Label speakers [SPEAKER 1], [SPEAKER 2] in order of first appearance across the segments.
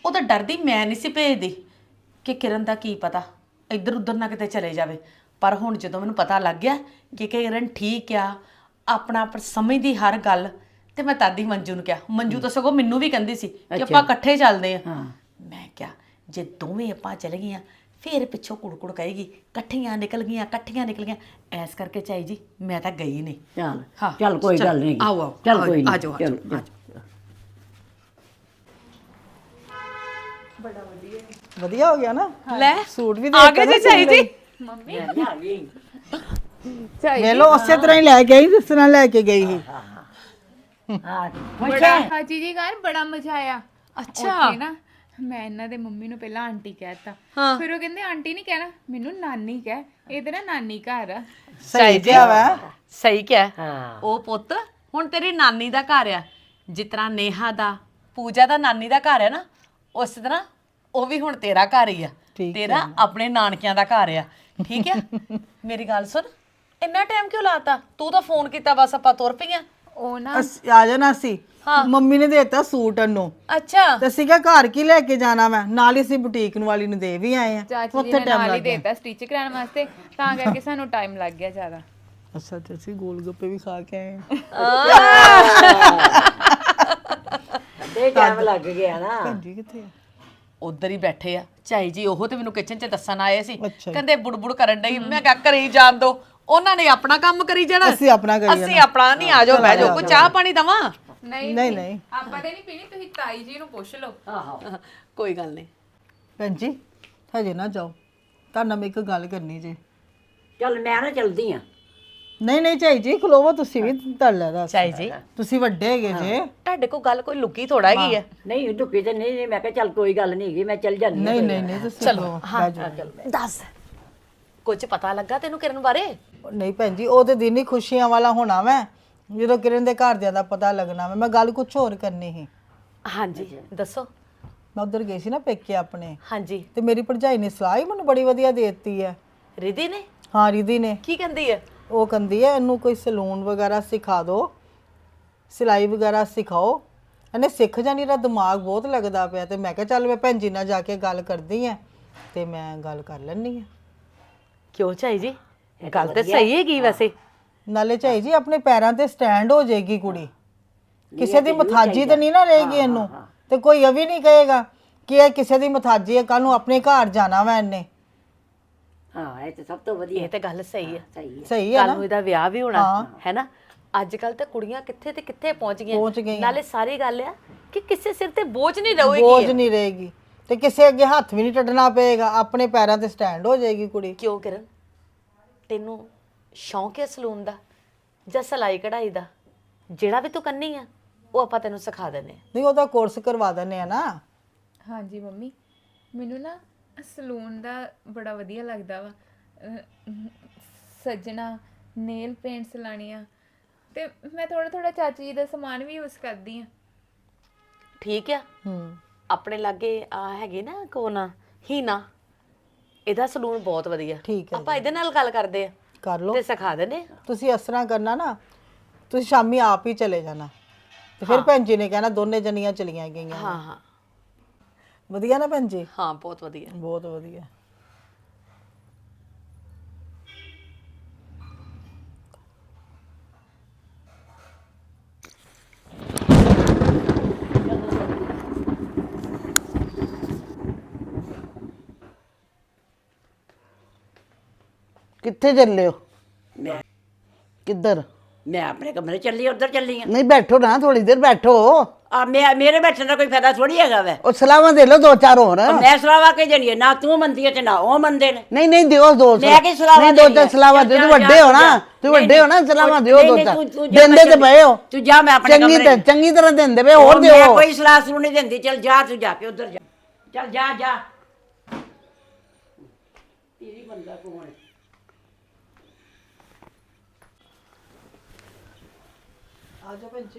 [SPEAKER 1] ਉਹ ਤਾਂ ਡਰਦੀ ਮੈਂ ਨਹੀਂ ਸੀ ਭੇਜਦੀ ਕਿ ਕਿਰਨ ਦਾ ਕੀ ਪਤਾ ਇੱਧਰ ਉੱਧਰ ਨਾ ਕਿਤੇ ਚਲੇ ਜਾਵੇ। ਪਰ ਹੁਣ ਜਦੋਂ ਮੈਨੂੰ ਪਤਾ ਲੱਗ ਗਿਆ ਕਿ ਕਿਰਨ ਠੀਕ ਆ, ਆਪਣਾ ਆਪ ਸਮਝਦੀ ਹਰ ਗੱਲ, ਤੇ ਮੈਂ ਤਦ ਹੀ ਮੰਜੂ ਨੂੰ ਕਿਹਾ। ਮੰਜੂ ਤਾਂ ਸਗੋਂ ਮੈਨੂੰ ਵੀ ਕਹਿੰਦੀ ਸੀ ਕਿ ਆਪਾਂ ਇਕੱਠੇ ਚੱਲਦੇ ਆ। ਮੈਂ ਕਿਹਾ ਜੇ ਦੋਵੇਂ ਆਪਾਂ ਚਲੇ ਗਈਆਂ ਫਿਰ ਪਿੱਛੋਂ ਕੁੜਕੁੜ ਕਹੇਗੀ ਇਕੱਠੀਆਂ ਨਿਕਲ ਗਈਆਂ। ਐਸ ਕਰਕੇ ਚਾਈ ਜੀ ਮੈਂ ਤਾਂ ਗਈ ਨਹੀਂ।
[SPEAKER 2] ਚੱਲ ਚੱਲ ਕੋਈ ਗੱਲ ਨਹੀਂ।
[SPEAKER 1] ਆਓ
[SPEAKER 2] ਚੱਲ ਕੋਈ
[SPEAKER 1] ਆ ਜਾਓ।
[SPEAKER 3] ਵਧੀਆ ਹੋ ਗਿਆ ਨਾ।
[SPEAKER 1] ਲੈ
[SPEAKER 3] ਸੂਟ ਵੀ
[SPEAKER 1] ਆ ਗਏ ਜੀ ਚਾਈ ਜੀ।
[SPEAKER 2] ਮੰਮੀ ਆ ਗਈ।
[SPEAKER 3] ਵੇਲੋ ਉਸੇ ਤਰ੍ਹਾਂ ਹੀ ਲੈ ਕੇ ਆਈ ਜਿਸ ਤਰ੍ਹਾਂ ਲੈ ਕੇ ਗਈ ਸੀ।
[SPEAKER 2] ਹਾਂ
[SPEAKER 4] ਬੜਾ ਹਾਜੀ ਜੀ ਘਰ ਬੜਾ ਮਜ਼ਾ ਆਇਆ।
[SPEAKER 1] ਅੱਛਾ।
[SPEAKER 4] ਉੱਥੇ ਨਾ ਮੈਂ ਇਹਨਾਂ ਦੇ ਮੰਮੀ ਨੂੰ ਪਹਿਲਾਂ ਆਂਟੀ ਕਹਿਤਾ, ਫਿਰ ਉਹ ਕਹਿੰਦੇ ਆਂਟੀ ਨਹੀਂ ਕਹਿਣਾ, ਮੈਨੂੰ ਨਾਨੀ ਕਹਿ, ਇਹ ਤੇ ਨਾ ਨਾਨੀ ਘਰ ਆ।
[SPEAKER 1] ਸਹੀ ਕਿਹਾ ਵਾ, ਸਹੀ ਕਿਹਾ।
[SPEAKER 2] ਹਾਂ।
[SPEAKER 1] ਉਹ ਪੁੱਤ ਹੁਣ ਤੇਰੀ ਨਾਨੀ ਦਾ ਘਰ ਆ, ਜਿਸ ਤਰ੍ਹਾਂ ਨੇਹਾ ਦਾ ਪੂਜਾ ਦਾ ਨਾਨੀ ਦਾ ਘਰ ਹੈ ਨਾ, ਉਸ ਤਰ੍ਹਾਂ ਉਹ ਵੀ ਹੁਣ ਤੇਰਾ ਘਰ ਹੀ ਆ। ਤੇਰਾ ਆਪਣੇ ਨਾਨਕਿਆਂ ਦਾ ਘਰ ਆ। ਠੀਕ ਹੈ। ਮੇਰੀ ਗੱਲ ਸੁਣ, ਇੰਨਾ ਟਾਈਮ ਕਿਉਂ ਲਾਤਾ? ਤੂੰ ਤਾਂ ਫੋਨ ਕੀਤਾ ਬਸ ਆਪਾਂ ਤੁਰ ਪਈਆਂ।
[SPEAKER 4] ਉਹ ਨਾ
[SPEAKER 3] ਆ ਜਾਣਾ ਸੀ। ਮੰਮੀ ਨੇ ਦੇਤਾ ਸੂਟ ਨੂੰ।
[SPEAKER 1] ਅੱਛਾ।
[SPEAKER 3] ਤੇ ਸੀਗਾ ਘਰ ਕੀ ਲੈ ਕੇ ਜਾਣਾ ਮੈਂ, ਨਾਲ ਹੀ ਅਸੀਂ ਬੁਟੀਕ ਵਾਲੀ ਨੂੰ ਦੇ ਵੀ ਆਏ ਆ।
[SPEAKER 4] ਚਾਚੀ ਜੀ ਨੇ ਨਾਲ ਹੀ ਦੇਤਾ ਸਟਿਚ ਕਰਾਉਣ ਵਾਸਤੇ, ਤਾਂ ਕਰਕੇ ਸਾਨੂੰ ਟਾਈਮ ਲੱਗ ਗਿਆ ਜ਼ਿਆਦਾ।
[SPEAKER 3] ਅੱਛਾ ਤੇ ਅਸੀਂ ਗੋਲ ਗੱਪੇ ਵੀ ਖਾ ਕੇ ਆਏ
[SPEAKER 2] ਤੇ ਟਾਈਮ ਲੱਗ ਗਿਆ ਨਾ।
[SPEAKER 3] ਭੈਣਜੀ ਕਿੱਥੇ ਆ?
[SPEAKER 1] ਉਧਰ ਹੀ ਬੈਠੇ ਆ ਚਾਈ ਜੀ। ਉਹ ਤੇ ਮੈਨੂੰ ਕਿਚਨ 'ਚ ਦੱਸਣ ਆਏ ਸੀ,
[SPEAKER 3] ਅੱਛਾ।
[SPEAKER 1] ਕਹਿੰਦੇ ਬੁੜਬੁੜ ਕਰਨ ਡਈ। ਮੈਂ ਕਿਹਾ ਕਰੀ ਜਾਣ ਦੋ, ਉਹਨਾਂ ਨੇ ਆਪਣਾ ਕੰਮ ਕਰੀ ਜਾਣਾ,
[SPEAKER 3] ਅਸੀਂ ਆਪਣਾ ਕਰੀ
[SPEAKER 1] ਅਸੀਂ ਆਪਣਾ ਨਹੀਂ। ਆ ਜਾਓ ਬਹਿ ਜਾਓ, ਕੋਈ ਚਾਹ ਪਾਣੀ ਦਵਾਂ?
[SPEAKER 3] ਨਹੀਂ
[SPEAKER 4] ਆਪਾਂ ਤੇ ਨਹੀਂ ਪੀਣੀ, ਤੁਸੀਂ ਤਾਈ ਜੀ ਨੂੰ ਪੁੱਛ ਲਓ।
[SPEAKER 2] ਆਹੋ
[SPEAKER 1] ਕੋਈ ਗੱਲ ਨਹੀਂ।
[SPEAKER 3] ਭੈਣਜੀ ਹਜੇ ਨਾ ਜਾਓ, ਤੁਹਾਡੇ ਨਾਲ ਮੈਂ ਇੱਕ ਗੱਲ ਕਰਨੀ ਜੇ।
[SPEAKER 2] ਚੱਲ ਮੈਂ ਨਾ ਚਲਦੀ ਆ।
[SPEAKER 3] ਨਹੀਂ ਝਾਈ ਜੀ ਖਲੋਵੋ, ਤੁਸੀਂ ਵੀ ਧੜ ਲੈ ਦੱਸ।
[SPEAKER 1] ਚਾਈ ਜੀ
[SPEAKER 3] ਤੁਸੀਂ ਵੱਡੇ ਹੈਗੇ ਜੇ।
[SPEAKER 1] ਤੁਹਾਡੇ ਕੋਲ ਗੱਲ ਕੋਈ ਲੁਕੀ ਥੋੜਾ ਹੈਗੀ ਆ।
[SPEAKER 2] ਨਹੀਂ ਢੁੱਕੀ ਤੇ ਨਹੀਂ, ਮੈਂ ਕਿਹਾ ਚੱਲ ਕੋਈ ਗੱਲ ਨਹੀਂ ਹੈਗੀ, ਮੈਂ ਚੱਲ ਜਾਂਦੀ
[SPEAKER 3] ਨਹੀਂ ਤੁਸੀਂ ਚਲੋ।
[SPEAKER 1] ਦੱਸ, ਕੁਝ ਪਤਾ ਲੱਗਾ ਤੈਨੂੰ ਕਿਰਨ ਬਾਰੇ?
[SPEAKER 3] ਨਹੀਂ ਭੈਣ ਜੀ, ਉਹ ਤੇ ਦਿਨ ਹੀ ਖੁਸ਼ੀਆਂ ਵਾਲਾ ਹੋਣਾ ਵੈ ਜਦੋਂ ਕਿਰਨ ਦੇ ਘਰਦਿਆਂ ਦਾ ਪਤਾ ਲੱਗਣਾ ਵਾ। ਮੈਂ ਗੱਲ ਕੁਝ ਹੋਰ ਕਰਨੀ ਸੀ।
[SPEAKER 1] ਹਾਂਜੀ ਦੱਸੋ।
[SPEAKER 3] ਮੈਂ ਉਧਰ ਗਈ ਸੀ ਨਾ ਪੇਕੇ ਆਪਣੇ,
[SPEAKER 1] ਹਾਂਜੀ।
[SPEAKER 3] ਤੇ ਮੇਰੀ ਭਰਜਾਈ ਨੇ ਸਲਾਹ ਹੀ ਮੈਨੂੰ ਬੜੀ ਵਧੀਆ ਦੇ ਦਿੱਤੀ ਹੈ।
[SPEAKER 1] ਰਿਧੀ ਨੇ?
[SPEAKER 3] ਹਾਂ ਰਿਧੀ ਨੇ।
[SPEAKER 1] ਕੀ ਕਹਿੰਦੀ ਹੈ?
[SPEAKER 3] ਉਹ ਕਹਿੰਦੀ ਹੈ ਇਹਨੂੰ ਕੋਈ ਸਲੂਨ ਵਗੈਰਾ ਸਿਖਾ ਦਿਓ, ਸਿਲਾਈ ਵਗੈਰਾ ਸਿਖਾਓ, ਇਹਨੇ ਸਿੱਖ ਜਾਣੀ। ਇਹਦਾ ਦਿਮਾਗ ਬਹੁਤ ਲੱਗਦਾ ਪਿਆ। ਤੇ ਮੈਂ ਕਿਹਾ ਚੱਲ ਮੈਂ ਭੈਣ ਜੀ ਨਾਲ ਜਾ ਕੇ ਗੱਲ ਕਰਦੀ ਆ, ਤੇ ਮੈਂ ਗੱਲ ਕਰ ਲੈਣੀ ਆ।
[SPEAKER 1] ਕਿਉਂ ਚਾਈ ਜੀ, ਗੱਲ ਤੇ ਸਹੀ ਹੈਗੀ ਵੈਸੇ।
[SPEAKER 3] ਨਾਲੇ ਝਾਈ ਜੀ ਆਪਣੇ ਪੈਰਾਂ ਤੇ ਸਟੈਂਡ ਹੋ ਜਾਏਗੀ ਕੁੜੀ, ਕਿਸੇ ਦੀ ਮਥਾਜੀ ਤੇ ਨਹੀਂ ਨਾ ਰਹੇਗੀ ਇਹਨੂੰ। ਤੇ ਕੋਈ ਇਹ ਵੀ ਨਹੀਂ ਕਹੇਗਾ ਕਿ ਇਹ ਕਿਸੇ ਦੀ ਮਥਾਜੀ ਹੈ, ਕੱਲ ਨੂੰ ਆਪਣੇ ਘਰ ਜਾਣਾ ਵਾ ਇਹਨੇ।
[SPEAKER 2] ਹਾਂ ਇਹ ਤੇ ਸਭ ਤੋਂ ਵਧੀਆ।
[SPEAKER 1] ਇਹ ਤੇ ਗੱਲ ਸਹੀ ਹੈ।
[SPEAKER 3] ਸਹੀ ਹੈ
[SPEAKER 1] ਕੱਲ
[SPEAKER 3] ਨਾ।
[SPEAKER 1] ਨੂੰ ਇਹਦਾ ਵਿਆਹ ਵੀ ਹੋਣਾ ਹੈ ਨਾ। ਅੱਜ ਕੱਲ ਤੇ ਕੁੜੀਆਂ ਕਿੱਥੇ ਤੇ ਕਿੱਥੇ ਪਹੁੰਚ ਗਈਆਂ। ਨਾਲੇ ਸਾਰੀ ਗੱਲ ਆ ਕਿ ਕਿਸੇ ਸਿਰ ਤੇ ਬੋਝ ਨਹੀਂ ਰਹੇਗੀ।
[SPEAKER 3] ਬੋਝ ਨਹੀਂ ਰਹੇਗੀ, ਤੇ ਕਿਸੇ ਅੱਗੇ ਹੱਥ ਵੀ ਨਹੀਂ ਟੱਟਣਾ ਪਏਗਾ, ਆਪਣੇ ਪੈਰਾਂ ਤੇ ਸਟੈਂਡ ਹੋ ਜਾਏਗੀ ਕੁੜੀ।
[SPEAKER 1] ਕਿਉਂ ਕਿਰਨ, ਤੈਨੂੰ ਸ਼ੌਂਕ ਹੈ ਸਲੂਨ ਦਾ ਜਾਂ ਸਿਲਾਈ ਕਢਾਈ ਦਾ? ਜਿਹੜਾ ਵੀ ਤੂੰ ਕਰਨੀ ਆ ਉਹ ਆਪਾਂ ਤੈਨੂੰ ਸਿਖਾ ਦਿੰਦੇ ਆ।
[SPEAKER 3] ਨਹੀਂ ਉਹਦਾ ਕੋਰਸ ਕਰਵਾ ਦਿੰਦੇ ਆ ਨਾ।
[SPEAKER 4] ਹਾਂਜੀ ਮੰਮੀ, ਮੈਨੂੰ ਨਾ ਸਲੂਨ ਦਾ ਬੜਾ ਵਧੀਆ ਲੱਗਦਾ ਵਾ। ਸੱਜਣਾ, ਨੇਲ ਪੇਂਟਸ ਲਾਣੀਆਂ, ਤੇ ਮੈਂ ਥੋੜਾ ਚਾਚੀ ਜੀ ਦਾ ਸਮਾਨ ਵੀ ਯੂਜ਼ ਕਰਦੀ ਆ।
[SPEAKER 1] ਠੀਕ ਆ। ਆਪਣੇ ਲਾਗੇ ਆ ਹੈਗੇ ਨਾ ਕੋਨ ਹੀਨਾ, ਇਹਦਾ ਸਲੂਨ ਬਹੁਤ ਵਧੀਆ।
[SPEAKER 3] ਠੀਕ ਹੈ,
[SPEAKER 1] ਆਪਾਂ ਇਹਦੇ ਨਾਲ ਗੱਲ ਕਰਦੇ ਆ,
[SPEAKER 3] ਕਰ ਲਓ
[SPEAKER 1] ਤੇ ਸਿਖਾ ਦਿੰਦੇ ਆ।
[SPEAKER 3] ਤੁਸੀਂ ਇਸ ਤਰ੍ਹਾਂ ਕਰਨਾ ਨਾ, ਤੁਸੀਂ ਸ਼ਾਮੀ ਆਪ ਹੀ ਚਲੇ ਜਾਣਾ, ਤੇ ਫਿਰ ਭੈਣ ਜੀ ਨੇ ਕਹਿਣਾ ਦੋਨੇ ਜਣੀਆਂ ਚਲੀਆਂ ਗਈਆਂ।
[SPEAKER 1] ਹਾਂ
[SPEAKER 3] ਵਧੀਆ ਨਾ ਭੈਣ ਜੀ?
[SPEAKER 1] ਹਾਂ ਬਹੁਤ ਵਧੀਆ।
[SPEAKER 3] ਬਹੁਤ ਵਧੀਆ।
[SPEAKER 5] ਕਿੱਥੇ ਚੱਲੇ ਹੋ?
[SPEAKER 2] ਮੈਂ
[SPEAKER 5] ਕਿੱਧਰ?
[SPEAKER 2] ਮੈਂ ਆਪਣੇ ਕਮਰੇ ਚੱਲੀ, ਉਧਰ ਚੱਲੀ ਆ।
[SPEAKER 5] ਨਹੀਂ ਬੈਠੋ ਨਾ, ਥੋੜੀ ਦੇਰ ਬੈਠੋ।
[SPEAKER 2] ਮੇਰੇ ਬੈਠਣ ਦਾ ਕੋਈ ਫਾਇਦਾ ਥੋੜੀ ਹੈਗਾ ਵੈ।
[SPEAKER 5] ਉਹ ਸਲਾਹਾਂ ਦੇ ਲਓ ਦੋ ਚਾਰ ਹੋਰ।
[SPEAKER 2] ਮੈਂ ਸਲਾਵਾ ਕੇ ਜਣੀ ਨਾ ਤੂੰ ਮੰਦੀ ਹੈ ਤੇ ਨਾ ਉਹ ਮੰਦੇ ਨੇ।
[SPEAKER 5] ਨਹੀਂ ਦਿਓ ਦੋ।
[SPEAKER 2] ਮੈਂ ਕੀ ਸਲਾਵਾ
[SPEAKER 5] ਨਹੀਂ ਦੋ ਚਾਰ ਸਲਾਹਾਂ ਦਿਓ, ਤੂੰ ਵੱਡੇ ਹੋ ਨਾ, ਤੂੰ ਵੱਡੇ ਹੋ ਨਾ, ਸਲਾਹਾਂ ਦਿਓ ਦੋ ਚਾਰ। ਦਿੰਦੇ ਤੇ ਪਏ ਹੋ।
[SPEAKER 2] ਤੂੰ ਜਾ, ਮੈਂ ਆਪਣੇ ਕਮਰੇ
[SPEAKER 5] ਚੰਗੀ ਤਰ੍ਹਾਂ ਦਿੰਦੇ ਪਏ, ਹੋਰ ਦਿਓ।
[SPEAKER 2] ਮੈਂ ਕੋਈ ਸਲਾਹ ਸੁਣ ਨਹੀਂ ਦਿੰਦੀ। ਚੱਲ ਜਾ, ਤੂੰ ਜਾ ਕੇ ਉਧਰ ਜਾ। ਚੱਲ ਜਾ। ਤੇਰੀ ਬੰਦਾ ਕੌਣ ਹੈ?
[SPEAKER 3] ਆ ਜਾ ਭੈਣ ਜੀ।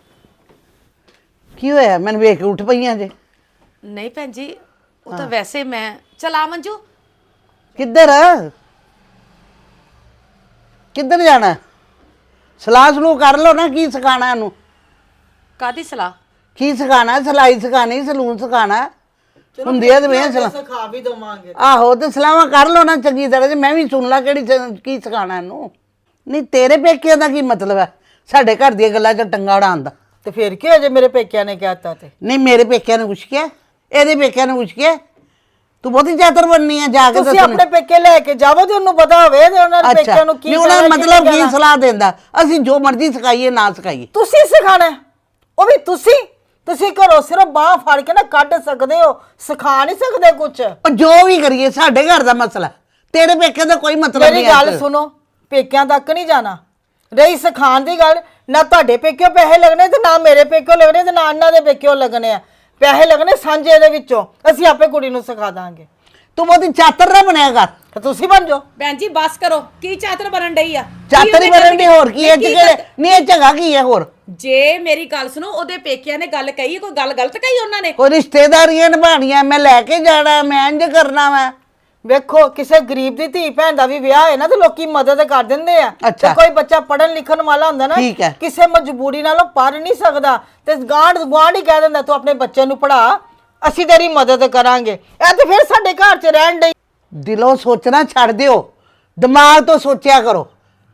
[SPEAKER 5] ਕੀ ਹੋਇਆ? ਮੈਨੂੰ ਵੇਖ ਕੇ ਉੱਠ ਪਈਆਂ ਜੇ।
[SPEAKER 1] ਨਹੀਂ ਭੈਣ ਜੀ, ਉਹ ਤਾਂ ਵੈਸੇ ਮੈਂ ਚਲਾ ਮੰਜੂ।
[SPEAKER 5] ਕਿੱਧਰ ਜਾਣਾ? ਸਲਾਹ ਸਲੂਹ ਕਰ ਲਓ ਨਾ, ਕੀ ਸਿਖਾਣਾ ਇਹਨੂੰ?
[SPEAKER 1] ਕਾਦੀ ਸਲਾਹ?
[SPEAKER 5] ਕੀ ਸਿਖਾਣਾ? ਸਿਲਾਈ ਸਿਖਾਣੀ, ਸਲੂਨ ਸਿਖਾਣਾ? ਹੁੰਦੀਆਂ ਤੇ ਵੇ ਸਲਾਹ
[SPEAKER 3] ਸਿਖਾ ਵੀ ਦਵਾਂਗੇ।
[SPEAKER 5] ਆਹੋ ਤੇ ਸਲਾਹਾਂ ਕਰ ਲਓ ਨਾ ਚੰਗੀ ਤਰ੍ਹਾਂ ਜੇ ਮੈਂ ਵੀ ਸੁਣ ਲਾ ਕਿਹੜੀ ਕੀ ਸਿਖਾਣਾ ਇਹਨੂੰ। ਨਹੀਂ ਤੇਰੇ ਪੇਕਿਆਂ ਦਾ ਕੀ ਮਤਲਬ ਹੈ ਸਾਡੇ ਘਰ ਦੀਆਂ ਗੱਲਾਂ 'ਚ ਟੰਗਾ ਉਡਾਉਣ ਦਾ?
[SPEAKER 3] ਤੇ ਫਿਰ ਕੀ ਹੋ ਜੇ ਮੇਰੇ ਪੇਕਿਆਂ ਨੇ ਕਹਿਤਾ ਤੇ?
[SPEAKER 5] ਨਹੀਂ ਮੇਰੇ ਪੇਕਿਆਂ ਨੇ ਕੁਛ ਕਿਹਾ, ਇਹਦੇ ਪੇਕਿਆਂ ਨੇ ਕੁਛ ਕਿਹਾ? ਤੂੰ ਬਹੁਤੀ ਚਾਤਰ ਬਣਨੀ ਹੈ ਜਾ ਕੇ
[SPEAKER 3] ਤੁਸੀਂ
[SPEAKER 5] ਦੱਸਣੀ।
[SPEAKER 3] ਆਪਣੇ ਪੇਕੇ ਲੈ ਕੇ ਜਾਵੋ ਤੇ ਉਹਨੂੰ ਪਤਾ ਹੋਵੇ ਤੇ ਉਹਨਾਂ ਦੇ
[SPEAKER 5] ਅੱਛਾ
[SPEAKER 3] ਪੇਕਿਆਂ ਨੂੰ ਕੀ
[SPEAKER 5] ਨਹੀਂ ਉਹਨਾਂ ਦਾ
[SPEAKER 3] ਕਹਿਣਾ,
[SPEAKER 5] ਮਤਲਬ
[SPEAKER 3] ਨਹੀਂ
[SPEAKER 5] ਕੀ ਸਲਾਹ ਦਿੰਦਾ? ਅਸੀਂ ਜੋ ਮਰਜ਼ੀ ਸਿਖਾਈਏ ਨਾ ਸਿਖਾਈਏ।
[SPEAKER 3] ਤੁਸੀਂ ਸਿਖਾਣਾ ਹੈ, ਉਹ ਵੀ ਤੁਸੀਂ ਘਰੋਂ ਸਿਰਫ ਬਾਹ ਫੜ ਕੇ ਨਾ ਕੱਢ ਸਕਦੇ ਹੋ, ਸਿਖਾ ਨਹੀਂ ਸਕਦੇ ਕੁਝ।
[SPEAKER 5] ਉਹ ਜੋ ਵੀ ਕਰੀਏ ਸਾਡੇ ਘਰ ਦਾ ਮਸਲਾ, ਤੇਰੇ ਪੇਕਿਆਂ ਦਾ ਕੋਈ ਮਤਲਬ ਨਹੀਂ
[SPEAKER 3] ਮੇਰੀ
[SPEAKER 5] ਹੈ।
[SPEAKER 3] ਗੱਲ ਸੁਣੋ, ਪੇਕਿਆਂ ਤੱਕ ਨਹੀਂ ਜਾਣਾ। ਰਹੀ ਸਿਖਾਉਣ ਦੀ ਗੱਲ, ਨਾ ਤੁਹਾਡੇ ਪੇਕਿਓ ਪੈਸੇ ਲੱਗਣੇ ਤੇ ਨਾ ਮੇਰੇ ਪੇਕਿਓ ਲੱਗਣੇ ਤੇ ਨਾ ਇਹਨਾਂ ਦੇ ਪੇਕਿਓ ਲੱਗਣੇ ਆ। ਪੈਸੇ ਲੱਗਣੇ ਸਾਂਝੇ ਦੇ ਵਿੱਚੋਂ, ਅਸੀਂ ਆਪੇ ਕੁੜੀ ਨੂੰ ਸਿਖਾ ਦਾਂਗੇ।
[SPEAKER 5] ਤੂੰ ਬਹੁਤੀ ਚਾਤਰ ਨਾ ਬਣਿਆ ਕਰ।
[SPEAKER 3] ਤੇ ਤੁਸੀਂ ਬਣ ਜਾਓ।
[SPEAKER 1] ਭੈਣ ਜੀ ਬਸ ਕਰੋ, ਕੀ ਚਾਤਰ ਬਣਨ ਡਈ ਆ?
[SPEAKER 5] ਚਾਤਰ ਹੀ ਬਣਨ ਦੀ ਹੋਰ ਕੀ ਹੈ? ਨਹੀਂ ਇਹ ਝਗਾ ਕੀ ਹੈ ਹੋਰ?
[SPEAKER 1] ਜੇ ਮੇਰੀ ਗੱਲ ਸੁਣੋ, ਉਹਦੇ ਪੇਕਿਆਂ ਨੇ ਗੱਲ ਕਹੀ, ਕੋਈ ਗੱਲ ਗਲਤ ਕਹੀ ਉਹਨਾਂ ਨੇ?
[SPEAKER 5] ਕੋਈ ਰਿਸ਼ਤੇਦਾਰੀਆਂ ਨਿਭਾਣੀਆਂ, ਮੈਂ ਲੈ ਕੇ ਜਾਣਾ, ਮੈਂ ਇੰਜ ਕਰਨਾ ਵਾ।
[SPEAKER 3] ਵੇਖੋ ਕਿਸੇ ਗਰੀਬ ਦੀ ਧੀ ਭੈਣ ਦਾ ਵੀ ਵਿਆਹ ਹੈ ਨਾ ਤੇ ਲੋਕੀ ਮਦਦ ਕਰ ਦਿੰਦੇ ਆ।
[SPEAKER 5] ਅੱਛਾ।
[SPEAKER 3] ਤੇ ਕੋਈ ਬੱਚਾ ਪੜਨ ਲਿਖਣ ਵਾਲਾ ਹੁੰਦਾ ਨਾ,
[SPEAKER 5] ਠੀਕ ਹੈ।
[SPEAKER 3] ਕਿਸੇ ਮਜਬੂਰੀ ਨਾਲ ਉਹ ਪੜ ਨਹੀਂ ਸਕਦਾ ਤੇ ਗਾਂਢ ਹੀ ਕਹਿ ਦਿੰਦਾ ਤੂੰ ਆਪਣੇ ਬੱਚੇ ਨੂੰ ਪੜਾ, ਅਸੀਂ ਤੇਰੀ ਮਦਦ ਕਰਾਂਗੇ। ਇਹ ਤੇ ਫਿਰ ਸਾਡੇ ਘਰ 'ਚ ਰਹਿਣ ਡਈ।
[SPEAKER 5] ਦਿਲੋਂ ਸੋਚਣਾ ਛੱਡ ਦਿਓ, ਦਿਮਾਗ ਤੋਂ ਸੋਚਿਆ ਕਰੋ।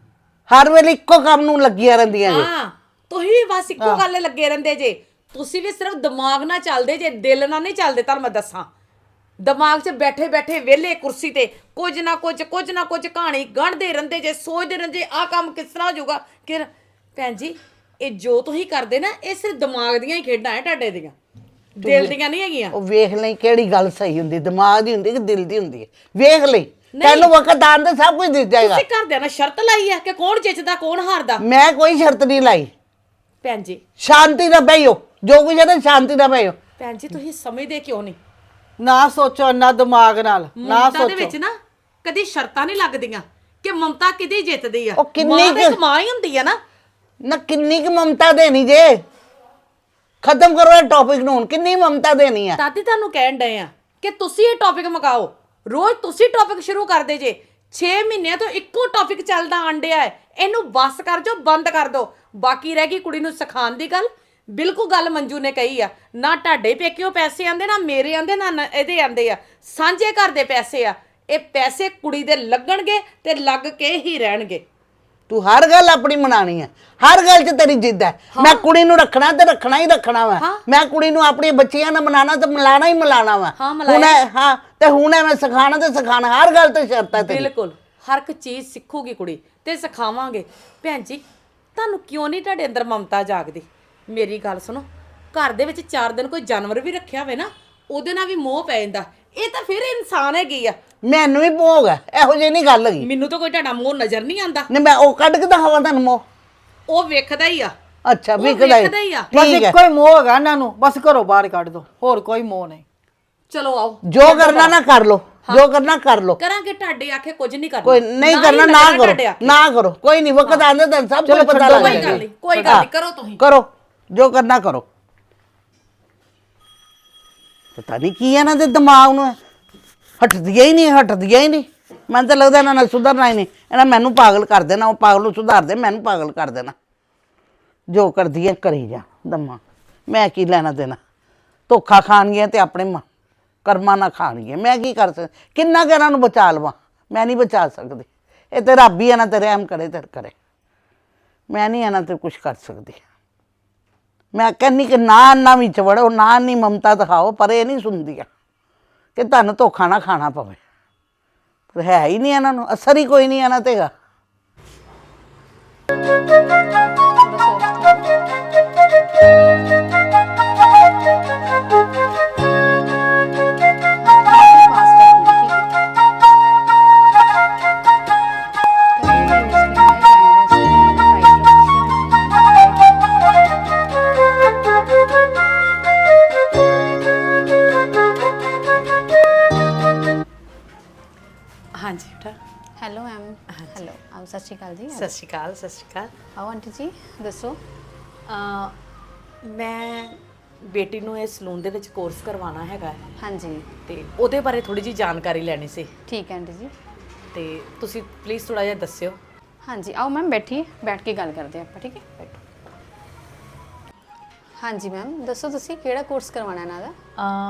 [SPEAKER 5] ਹਰ ਵੇਲੇ ਇੱਕੋ ਕੰਮ ਨੂੰ ਲੱਗੀਆਂ ਰਹਿੰਦੀਆਂ ਜੀ।
[SPEAKER 1] ਹਾਂ, ਤੁਸੀਂ ਵੀ ਬਸ ਇੱਕੋ ਗੱਲ ਲੱਗੇ ਰਹਿੰਦੇ ਜੇ। ਤੁਸੀਂ ਵੀ ਸਿਰਫ ਦਿਮਾਗ ਨਾਲ ਚੱਲਦੇ ਜੇ, ਦਿਲ ਨਾਲ ਨਹੀਂ ਚੱਲਦੇ। ਤੁਹਾਨੂੰ ਮੈਂ ਦੱਸਾਂ, ਦਿਮਾਗ 'ਚ ਬੈਠੇ ਬੈਠੇ ਵਿਹਲੇ ਕੁਰਸੀ ਤੇ ਕੁਝ ਨਾ ਕੁਝ ਕਹਾਣੀ ਗੰਢਦੇ ਰਹਿੰਦੇ ਜੇ, ਸੋਚਦੇ ਰਹਿੰਦੇ ਆਹ ਕੰਮ ਕਿਸ ਤਰ੍ਹਾਂ ਹੋ ਜਾਊਗਾ। ਕਿ ਭੈਣ ਜੀ ਇਹ ਜੋ ਤੁਸੀਂ ਕਰਦੇ ਨਾ, ਇਹ ਸਿਰਫ ਦਿਮਾਗ ਦੀਆਂ ਹੀ ਖੇਡਾਂ ਹੈ ਤੁਹਾਡੇ ਦੀਆਂ, ਦਿਲ ਦੀਆਂ ਨਹੀਂ ਹੈਗੀਆਂ।
[SPEAKER 5] ਉਹ ਵੇਖ ਲਈ ਕਿਹੜੀ ਗੱਲ ਸਹੀ ਹੁੰਦੀ, ਦਿਮਾਗ ਦੀ ਹੁੰਦੀ ਕਿ ਦਿਲ ਦੀ ਹੁੰਦੀ ਹੈ। ਵੇਖ ਲਈ, ਤੈਨੂੰ ਵਕਤ ਆਉਣ ਤੇ ਸਭ ਕੁਝ ਦਿਸ ਜਾਏਗਾ।
[SPEAKER 1] ਤੁਸੀਂ ਘਰਦਿਆਂ ਨਾਲ ਸ਼ਰਤ ਲਾਈ ਆ ਕਿ ਕੌਣ ਜਿੱਤਦਾ ਕੌਣ ਹਾਰਦਾ?
[SPEAKER 5] ਮੈਂ ਕੋਈ ਸ਼ਰਤ ਨਹੀਂ ਲਾਈ।
[SPEAKER 1] ਭੈਣ ਜੀ
[SPEAKER 5] ਸ਼ਾਂਤੀ ਨਾਲ ਬਹਿਓ, ਜੋ ਕੁਝ ਹੈ ਨਾ ਸ਼ਾਂਤੀ ਨਾਲ ਬਹਿਓ।
[SPEAKER 1] ਭੈਣ ਜੀ ਤੁਸੀਂ ਸਮਝਦੇ ਕਿਉਂ ਨਹੀਂ?
[SPEAKER 3] ਨਾ ਸੋਚੋ ਨਾ ਦਿਮਾਗ ਨਾਲ, ਨਾ
[SPEAKER 1] ਮਮਤਾ ਦੇ
[SPEAKER 3] ਸੋਚੋ।
[SPEAKER 1] ਵਿੱਚ ਨਾ ਕਦੀ ਸ਼ਰਤਾਂ ਨਹੀਂ ਲੱਗਦੀਆਂ ਕਿ ਮਮਤਾ ਕਿਹਦੀ ਜਿੱਤਦੀ ਆ।
[SPEAKER 5] ਉਹ ਕਿੰਨੀ
[SPEAKER 1] ਮਾਂ ਤਾਂ ਇੱਕ
[SPEAKER 5] ਕੁ-
[SPEAKER 1] ਮਾਂ ਹੀ ਹੁੰਦੀ ਆ ਨਾ।
[SPEAKER 5] ਨਾ ਕਿੰਨੀ ਕੁ ਮਮਤਾ ਦੇਣੀ ਜੇ? ਖਤਮ ਕਰੋ ਇਹ ਟੌਪਿਕ ਨੂੰ। ਹੁਣ ਕਿੰਨੀ ਮਮਤਾ ਦੇਣੀ ਆ?
[SPEAKER 1] ਦਾਦੀ ਤੁਹਾਨੂੰ ਕਹਿਣ ਡਏ ਆ ਕਿ ਤੁਸੀਂ ਇਹ ਟੌਪਿਕ ਮਕਾਓ। ਰੋਜ਼ ਤੁਸੀਂ ਟੌਪਿਕ ਸ਼ੁਰੂ ਕਰਦੇ ਜੇ। 6 ਮਹੀਨਿਆਂ ਤੋਂ ਇੱਕੋ ਟੌਪਿਕ ਚੱਲਦਾ ਆਂਡਿਆ ਹੈ। ਇਹਨੂੰ ਬਸ ਕਰ ਜੋ, ਬੰਦ ਕਰ ਦੋ। ਬਾਕੀ ਰਹਿ ਗਈ ਕੁੜੀ ਨੂੰ ਸਿਖਾਉਣ ਦੀ ਗੱਲ। ਬਿਲਕੁਲ ਗੱਲ ਮੰਜੂ ਨੇ ਕਹੀ ਆ, ਨਾ ਤੁਹਾਡੇ ਪੇਕਿਓ ਪੈਸੇ ਆਂਦੇ, ਨਾ ਮੇਰੇ ਆਂਦੇ, ਨਾ ਇਹਦੇ ਆਂਦੇ ਆ। ਸਾਂਝੇ ਘਰ ਦੇ ਪੈਸੇ ਆ। ਇਹ ਪੈਸੇ ਕੁੜੀ ਦੇ ਲੱਗਣਗੇ ਤੇ ਲੱਗ ਕੇ ਹੀ ਰਹਿਣਗੇ।
[SPEAKER 5] ਤੂੰ ਹਰ ਗੱਲ ਆਪਣੀ ਮਨਾਣੀ ਹੈ, ਹਰ ਗੱਲ 'ਚ ਤੇਰੀ ਜਿੱਦ ਹੈ। ਮੈਂ ਕੁੜੀ ਨੂੰ ਰੱਖਣਾ ਤੇ ਰੱਖਣਾ ਹੀ ਰੱਖਣਾ ਵਾ। ਮੈਂ ਕੁੜੀ ਨੂੰ ਆਪਣੀ ਬੱਚੀਆਂ ਨਾਲ ਮਨਾਣਾ ਤੇ ਮਿਲਾਣਾ ਹੀ ਮਿਲਾਣਾ ਵਾ। ਹੁਣ ਹਾਂ ਤੇ ਹੁਣ ਮੈਂ ਸਿਖਾਣਾ ਤੇ ਸਿਖਾਣਾ, ਹਰ ਗੱਲ ਤੇ ਸ਼ਰਤ ਹੈ ਤੇਰੀ।
[SPEAKER 1] ਬਿਲਕੁਲ ਹਰ ਇੱਕ ਚੀਜ਼ ਸਿੱਖੂਗੀ ਕੁੜੀ ਤੇ ਸਿਖਾਵਾਂਗੇ। ਭੈਣ ਜੀ ਤੁਹਾਨੂੰ ਕਿਉਂ ਨਹੀਂ ਤੁਹਾਡੇ ਅੰਦਰ ਮਮਤਾ ਜਾਗਦੀ? ਮੇਰੀ ਗੱਲ ਸੁਣੋ, ਘਰ ਦੇ ਵਿੱਚ 4 ਦਿਨ ਕੋਈ ਜਾਨਵਰ ਵੀ ਰੱਖਿਆ ਹੋਵੇ ਨਾ, ਉਹਦੇ ਨਾਲ ਵੀ ਮੋਹ ਪੈ ਜਾਂਦਾ। ਇਹ ਤਾਂ ਫਿਰ ਇਨਸਾਨ ਹੈਗੀ ਆ।
[SPEAKER 5] ਮੈਨੂੰ ਵੀ ਭੋਗ ਹੈ, ਇਹੋ ਜਿਹੀ ਨਹੀਂ ਗੱਲ ਹੈਗੀ।
[SPEAKER 1] ਮੈਨੂੰ ਤਾਂ ਕੋਈ ਤੁਹਾਡਾ ਮੋਹ ਨਜ਼ਰ ਨਹੀਂ ਆਂਦਾ।
[SPEAKER 5] ਨਹੀਂ ਮੈਂ ਉਹ ਕੱਢ ਕੇ ਦਿਖਾਵਾਂ ਤੁਹਾਨੂੰ ਮੋਹ?
[SPEAKER 1] ਉਹ ਵੇਖਦਾ ਹੀ ਆ।
[SPEAKER 5] ਅੱਛਾ
[SPEAKER 1] ਉਹ
[SPEAKER 5] ਵਿਕਦਾ
[SPEAKER 1] ਵੇਖਦਾ ਹੀ ਆ।
[SPEAKER 3] ਬਸ
[SPEAKER 5] ਠੀਕ ਹੈ।
[SPEAKER 3] ਇੱਕੋ ਹੀ ਮੋਹ ਹੈਗਾ ਇਹਨਾਂ ਨੂੰ, ਬਸ ਘਰੋਂ ਬਾਹਰ ਕੱਢ ਦੋ, ਹੋਰ ਕੋਈ ਮੋਹ ਨਹੀਂ।
[SPEAKER 1] ਚਲੋ ਆਓ,
[SPEAKER 5] ਜੋ ਕਰਨਾ ਨਾ ਕਰ ਲੋ, ਜੋ ਕਰਨਾ ਕਰ ਲੋ।
[SPEAKER 1] ਕਰਾਂਗੇ। ਤੁਹਾਡੇ ਆਖੇ ਕੁਝ ਨਹੀਂ ਕਰਨਾ।
[SPEAKER 5] ਕੋਈ ਨਹੀਂ
[SPEAKER 1] ਹੀ
[SPEAKER 5] ਕਰਨਾ ਨਾ
[SPEAKER 1] ਲੱਗਣਾ
[SPEAKER 5] ਕਰੋ,
[SPEAKER 1] ਤੁਹਾਡੇ ਆਖੇ।
[SPEAKER 5] ਨਾ ਕਰੋ। ਕੋਈ ਨਹੀਂ, ਵਕਤ ਆਂਦੇ ਤਾਂ ਸਭ ਕੁਝ ਪਤਾ ਲੱਗ
[SPEAKER 1] ਕੋਈ
[SPEAKER 5] ਜਾਏਗਾ।
[SPEAKER 1] ਗੱਲ ਨਹੀਂ, ਕੋਈ ਗੱਲ ਨਹੀਂ, ਕਰੋ ਤੁਸੀਂ।
[SPEAKER 5] ਕਰੋ ਜੋ ਕਰਨਾ ਕਰੋ। ਪਤਾ ਨਹੀਂ ਕੀ ਇਹਨਾਂ ਦੇ ਦਿਮਾਗ ਨੂੰ ਹੈ, ਹਟਦੀਆਂ ਹੀ ਨਹੀਂ, ਹਟਦੀਆਂ ਹੀ ਨਹੀਂ। ਮੈਨੂੰ ਤਾਂ ਲੱਗਦਾ ਇਹਨਾਂ ਨਾਲ ਸੁਧਰਨਾ ਹੀ ਨਹੀਂ। ਇਹਨਾਂ ਮੈਨੂੰ ਪਾਗਲ ਕਰ ਦੇਣਾ, ਉਹ ਪਾਗਲ ਨੂੰ ਸੁਧਾਰ ਦੇ, ਮੈਨੂੰ ਪਾਗਲ ਕਰ ਦੇਣਾ। ਜੋ ਕਰਦੀ ਹੈ ਕਰੀ ਜਾ ਦਮਾ, ਮੈਂ ਕੀ ਲੈਣਾ ਦੇਣਾ। ਧੋਖਾ ਖਾਣਗੀਆਂ ਤੇ ਆਪਣੇ ਕਰਮਾਂ ਨਾਲ ਖਾਣਗੀਆਂ। ਮੈਂ ਕੀ ਕਰ ਸਕਦੀ? ਕਿੰਨਾ ਕੁ ਇਹਨਾਂ ਨੂੰ ਬਚਾ ਲਵਾਂ? ਮੈਂ ਨਹੀਂ ਬਚਾ ਸਕਦੀ। ਇਹ ਤੇ ਰੱਬ ਹੀ ਇਹਨਾਂ ਤੇ ਰਹਿਮ ਕਰੇ ਤੇ ਕਰੇ। ਮੈਂ ਨਹੀਂ ਇਹਨਾਂ ਤੇ ਕੁਝ ਕਰ ਸਕਦੀ। ਮੈਂ ਕਹਿੰਦੀ ਕਿ ਨਾ ਵਿੱਚ ਵੜੋ, ਨਾ ਨਹੀਂ ਮਮਤਾ ਦਿਖਾਓ, ਪਰ ਇਹ ਨਹੀਂ ਸੁਣਦੀਆਂ ਕਿ ਤੁਹਾਨੂੰ ਧੋਖਾ ਨਾ ਖਾਣਾ ਪਵੇ। ਪਰ ਹੈ ਹੀ ਨਹੀਂ ਇਹਨਾਂ ਨੂੰ, ਅਸਰ ਹੀ ਕੋਈ ਨਹੀਂ ਇਹਨਾਂ ਤੇ ਹੈਗਾ।
[SPEAKER 1] ਹਾਂਜੀ ਬੇਟਾ।
[SPEAKER 6] Hello ma'am. ਹੈਲੋ ਆਪ ਸਤਿ ਸ਼੍ਰੀ ਅਕਾਲ ਜੀ।
[SPEAKER 1] ਸਤਿ ਸ਼੍ਰੀ ਅਕਾਲ। ਸਤਿ ਸ਼੍ਰੀ ਅਕਾਲ।
[SPEAKER 6] ਆਓ ਆਂਟੀ ਜੀ ਦੱਸੋ।
[SPEAKER 1] ਮੈਂ ਬੇਟੀ ਨੂੰ ਇਹ ਸਲੂਨ ਦੇ ਵਿੱਚ ਕੋਰਸ ਕਰਵਾਉਣਾ ਹੈਗਾ
[SPEAKER 6] ਹਾਂਜੀ
[SPEAKER 1] ਤੇ ਉਹਦੇ ਬਾਰੇ ਥੋੜੀ ਜੀ ਜਾਣਕਾਰੀ ਲੈਣੀ ਸੀ
[SPEAKER 6] ਠੀਕ ਹੈ ਆਂਟੀ ਜੀ।
[SPEAKER 1] ਤੇ ਤੁਸੀਂ ਪਲੀਜ਼ ਥੋੜਾ ਜਿਹਾ ਦੱਸਿਓ।
[SPEAKER 6] ਹਾਂਜੀ ਆਓ ਮੈਮ ਬੈਠੀਏ, ਬੈਠ ਕੇ ਗੱਲ ਕਰਦੇ ਆਪਾਂ। ਠੀਕ ਹੈ ਬੈਠੋ। ਹਾਂਜੀ ਮੈਮ ਦੱਸੋ ਤੁਸੀਂ ਕਿਹੜਾ ਕੋਰਸ ਕਰਵਾਉਣਾ ਇਹਨਾਂ ਦਾ?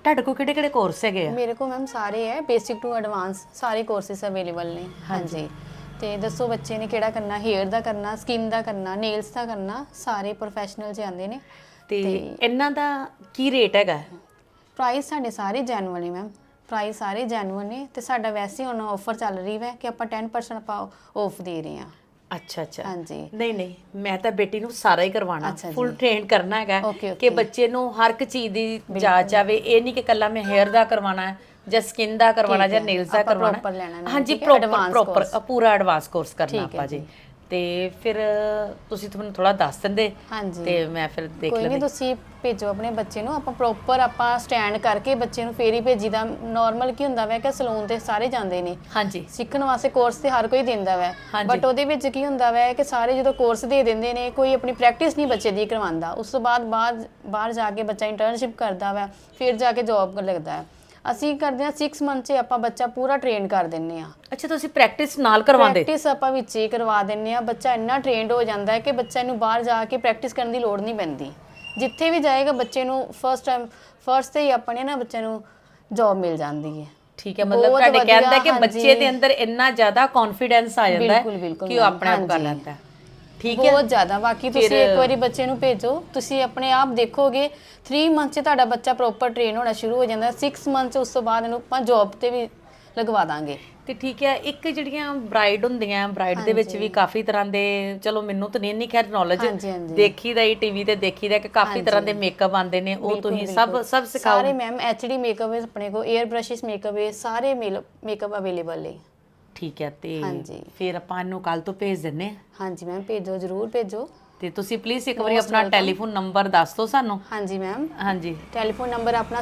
[SPEAKER 1] ਤੁਹਾਡੇ ਕੋਲ ਕਿਹੜੇ ਕੋਰਸ ਹੈਗੇ ਆ?
[SPEAKER 6] ਮੇਰੇ ਕੋਲ ਮੈਮ ਸਾਰੇ ਹੈ, ਬੇਸਿਕ ਟੂ ਐਡਵਾਂਸ ਸਾਰੇ ਕੋਰਸਿਸ ਅਵੇਲੇਬਲ ਨੇ। ਹਾਂਜੀ, ਤੇ ਦੱਸੋ ਬੱਚੇ ਨੇ ਕਿਹੜਾ ਕਰਨਾ, ਹੇਅਰ ਦਾ ਕਰਨਾ, ਸਕਿਨ ਦਾ ਕਰਨਾ, ਨੇਲਸ ਦਾ ਕਰਨਾ, ਸਾਰੇ ਪ੍ਰੋਫੈਸ਼ਨਲ ਚ ਆਉਂਦੇ ਨੇ।
[SPEAKER 1] ਤੇ ਇਹਨਾਂ ਦਾ ਕੀ ਰੇਟ ਹੈਗਾ?
[SPEAKER 6] ਪ੍ਰਾਈਸ ਸਾਡੇ ਸਾਰੇ ਜੈਨੂਅਲ ਨੇ ਮੈਮ, ਪ੍ਰਾਈਸ ਸਾਰੇ ਜੈਨੂਅਲ ਨੇ। ਤੇ ਸਾਡਾ ਵੈਸੇ ਹੁਣ ਆਫਰ ਚੱਲ ਰਹੀ ਹੈ ਕਿ ਆਪਾਂ 10% ਆਪਾਂ ਆਫ ਦੇ ਰਹੇ ਹਾਂ।
[SPEAKER 1] ਅੱਛਾ ਅੱਛਾ।
[SPEAKER 6] ਹਾਂਜੀ।
[SPEAKER 1] ਨਹੀਂ ਮੈਂ ਤਾਂ ਬੇਟੀ ਨੂੰ ਸਾਰਾ ਹੀ ਕਰਵਾਉਣਾ,
[SPEAKER 6] ਅੱਛਾ ਜੀ।
[SPEAKER 1] ਫੁੱਲ ਟ੍ਰੇਨ ਕਰਨਾ ਹੈਗਾ
[SPEAKER 6] Okay,
[SPEAKER 1] ਕਿ
[SPEAKER 6] okay।
[SPEAKER 1] ਬੱਚੇ ਨੂੰ ਹਰ ਇੱਕ ਚੀਜ਼ ਦੀ ਜਾਚ ਆਵੇ। ਇਹ ਨਹੀਂ ਕਿ ਕੱਲਾ ਮੈਂ ਹੇਅਰ ਦਾ ਕਰਵਾਉਣਾ ਹੈ ਜਾਂ ਸਕਿਨ ਦਾ ਕਰਵਾਉਣਾ
[SPEAKER 6] ਠੀਕ
[SPEAKER 1] ਜਾਂ
[SPEAKER 6] ਹੈ।
[SPEAKER 1] ਨੇਲਸ ਦਾ
[SPEAKER 6] ਆਪਾਂ
[SPEAKER 1] ਕਰਵਾਉਣਾ।
[SPEAKER 6] proper ਲੈਣਾ ਨਾ,
[SPEAKER 1] ਹਾਂਜੀ,
[SPEAKER 6] ਠੀਕ ਹੈ,
[SPEAKER 1] ਪ੍ਰੋਪਰ
[SPEAKER 6] advance
[SPEAKER 1] ਪ੍ਰੋਪਰ
[SPEAKER 6] course।
[SPEAKER 1] ਪੂਰਾ ਐਡਵਾਂਸ ਕੋਰਸ ਕਰਨਾ
[SPEAKER 6] ਠੀਕ ਹੈ
[SPEAKER 1] ਆਪਾਂ ਜੀ।
[SPEAKER 6] ਜੀ।
[SPEAKER 1] ਤੇ ਫਿਰ ਤੁਸੀਂ ਤੁਹਾਨੂੰ ਥੋੜਾ ਦੱਸ ਦਿੰਦੇ
[SPEAKER 6] ਹਾਂਜੀ।
[SPEAKER 1] ਤੇ ਮੈਂ ਫਿਰ ਦੇਖ
[SPEAKER 6] ਕੋਈ ਨਹੀਂ,
[SPEAKER 1] ਲੈਂਦੀ।
[SPEAKER 6] ਤੁਸੀਂ ਭੇਜੋ ਆਪਣੇ ਬੱਚੇ ਨੂੰ, ਆਪਾਂ ਪ੍ਰੋਪਰ ਆਪਾਂ ਸਟੈਂਡ ਕਰਕੇ ਬੱਚੇ ਨੂੰ ਫੇਰ ਹੀ ਭੇਜੀਦਾ। ਨਾਰਮਲ ਕੀ ਹੁੰਦਾ ਵੈ ਕਿ ਸਲੂਨ ਤੇ ਸਾਰੇ ਜਾਂਦੇ ਨੇ
[SPEAKER 1] ਹਾਂਜੀ
[SPEAKER 6] ਸਿੱਖਣ ਵਾਸਤੇ, ਕੋਰਸ ਤੇ ਹਰ ਕੋਈ ਦਿੰਦਾ ਵੈ,
[SPEAKER 1] ਹਾਂਜੀ।
[SPEAKER 6] ਬਟ ਉਹਦੇ ਵਿੱਚ ਕੀ ਹੁੰਦਾ ਵੈ ਕਿ ਸਾਰੇ ਜਦੋਂ ਕੋਰਸ ਦੇ ਦਿੰਦੇ ਨੇ, ਕੋਈ ਆਪਣੀ ਪ੍ਰੈਕਟਿਸ ਨਹੀਂ ਬੱਚੇ ਦੀ ਕਰਵਾਉਂਦਾ। ਉਸ ਤੋਂ ਬਾਹਰ ਜਾ ਕੇ ਬੱਚਾ ਇੰਟਰਨਸ਼ਿਪ ਕਰਦਾ ਵੈ, ਫਿਰ ਜਾ ਕੇ ਜੌਬ ਲੱਗਦਾ ਹੈ। ਅਸੀਂ ਕਰਦੇ ਹਾਂ 6 ਮੰਥ 'ਚ ਆਪਾਂ ਬੱਚਾ ਪੂਰਾ ਟ੍ਰੇਨ ਕਰ ਦਿੰਦੇ ਹਾਂ।
[SPEAKER 1] ਅੱਛਾ, ਤੁਸੀਂ ਪ੍ਰੈਕਟਿਸ ਨਾਲ ਕਰਵਾਉਂਦੇ?
[SPEAKER 6] ਪ੍ਰੈਕਟਿਸ ਆਪਾਂ ਵਿੱਚ ਹੀ ਕਰਵਾ ਦਿੰਦੇ ਆ। ਬੱਚਾ ਇੰਨਾ ਟ੍ਰੇਨਡ ਹੋ ਜਾਂਦਾ ਹੈ ਕਿ ਬੱਚਾ ਨੂੰ ਬਾਹਰ ਜਾ ਕੇ ਪ੍ਰੈਕਟਿਸ ਕਰਨ ਦੀ ਲੋੜ ਨਹੀਂ ਪੈਂਦੀ। ਜਿੱਥੇ ਵੀ ਜਾਏਗਾ ਬੱਚੇ ਨੂੰ ਫਸਟ ਤੇ ਹੀ ਆਪਣੇ ਨਾ ਬੱਚੇ ਨੂੰ ਜੌਬ ਮਿਲ ਜਾਂਦੀ ਹੈ।
[SPEAKER 1] ਠੀਕ ਹੈ, ਮਤਲਬ
[SPEAKER 6] ਬਹੁਤ
[SPEAKER 1] ਤੁਹਾਡੇ
[SPEAKER 6] ਵਧੀਆ,
[SPEAKER 1] ਕਹਿੰਦਾ ਕਿ
[SPEAKER 6] ਹਾਂਜੀ।
[SPEAKER 1] ਬੱਚੇ ਦੇ ਅੰਦਰ ਇੰਨਾ ਜ਼ਿਆਦਾ ਕੌਨਫੀਡੈਂਸ ਆ ਜਾਂਦਾ ਹੈ
[SPEAKER 6] ਬਿਲਕੁਲ
[SPEAKER 1] ਕਿ ਉਹ ਆਪਣੇ ਆਪ ਕਰ
[SPEAKER 6] ਹਾਂਜੀ।
[SPEAKER 1] ਲੈਂਦਾ ਹੈ। ਠੀਕ ਹੈ,
[SPEAKER 6] ਬਹੁਤ ਜ਼ਿਆਦਾ। ਬਾਕੀ ਤੁਸੀਂ
[SPEAKER 1] ਫਿਰ-
[SPEAKER 6] ਇੱਕ ਵਾਰੀ ਬੱਚੇ ਨੂੰ ਭੇਜੋ, ਤੁਸੀਂ ਆਪਣੇ ਆਪ ਦੇਖੋਗੇ 3 ਮੰਥ 'ਚ ਤੁਹਾਡਾ ਬੱਚਾ ਪ੍ਰੋਪਰ ਟ੍ਰੇਨ ਹੋਣਾ ਸ਼ੁਰੂ ਹੋ ਜਾਂਦਾ। 6 ਮੰਥ 'ਚ ਉਸ ਤੋਂ ਬਾਅਦ ਇਹਨੂੰ ਆਪਾਂ ਜੌਬ ਤੇ ਵੀ ਲਗਵਾ ਦਾਂਗੇ।
[SPEAKER 1] ਤੇ ਠੀਕ ਹੈ। ਇੱਕ ਜਿਹੜੀਆਂ ਬ੍ਰਾਈਡ ਹੁੰਦੀਆਂ, ਬ੍ਰਾਈਡ ਦੇ ਵਿੱਚ ਵੀ ਕਾਫੀ ਤਰ੍ਹਾਂ ਦੇ, ਚਲੋ ਮੈਨੂੰ ਤਾਂ ਨਹੀਂ ਖੈਰ ਨੌਲੇਜ,
[SPEAKER 6] ਹਾਂਜੀ, ਹਾਂਜੀ।
[SPEAKER 1] ਦੇਖੀਦਾ ਹੀ ਟੀਵੀ ਤੇ ਦੇਖੀਦਾ ਕਿ ਕਾਫੀ ਤਰ੍ਹਾਂ ਦੇ ਮੇਕਅਪ ਆਉਂਦੇ ਨੇ, ਉਹ ਤੁਸੀਂ ਸਭ ਸਿਖਾਓ?
[SPEAKER 6] ਸਾਰੇ ਮੈਮ ਐਚਡੀ ਮੇਕਅਪ ਹੈ ਆਪਣੇ ਕੋਲ, 에ਅਰ ਬ੍ਰਸ਼ਸ ਮੇਕਅਪ ਹੈ, ਸਾਰੇ ਮੇਕਅਪ ਅਵੇਲੇਬਲ ਹੈ।
[SPEAKER 1] ਠੀਕ ਹੈ, ਤੇ
[SPEAKER 6] ਹਾਂਜੀ।
[SPEAKER 1] ਫਿਰ ਆਪਾਂ ਇਹਨੂੰ ਕੱਲ ਤੋਂ ਭੇਜ ਦਿੰਨੇ ਆ।
[SPEAKER 6] ਹਾਂਜੀ ਮੈਮ, ਭੇਜੋ, ਜ਼ਰੂਰ ਭੇਜੋ।
[SPEAKER 1] ਤੇ ਤੁਸੀਂ ਪਲੀਜ਼ ਇੱਕ ਵਾਰੀ ਆਪਣਾ ਟੈਲੀਫੋਨ ਨੰਬਰ ਦੱਸ ਦਿਓ ਸਾਨੂੰ।
[SPEAKER 6] ਹਾਂਜੀ ਮੈਮ,
[SPEAKER 1] ਹਾਂਜੀ।
[SPEAKER 6] ਟੈਲੀਫੋਨ ਨੰਬਰ ਆਪਣਾ